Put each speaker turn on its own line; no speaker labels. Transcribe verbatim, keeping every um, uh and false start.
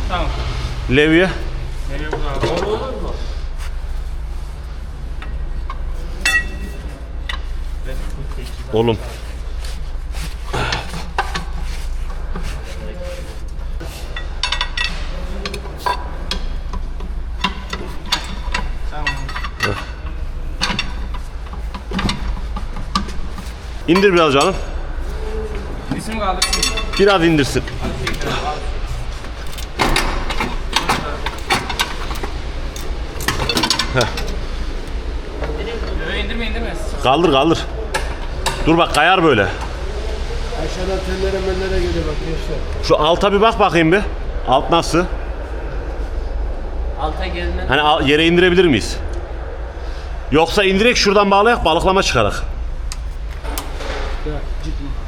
Tamam.
Levye.
Nereye burada abi? Olur mu?
Oğlum.
Tamam.
İndir biraz canım.
İsim kaldı.
Biraz indirsin.
Öyle indirme indirme.
Kaldır kaldır. Dur bak kayar böyle.
Aşağıdan tellere mellere geliyor bak gençler.
Şu alta bir bak bakayım bir. Alt nasıl?
Alta gelme.
Hani al- yere indirebilir miyiz? Yoksa indirek şuradan bağlayak balıklama çıkarak.
Ya, ciddi.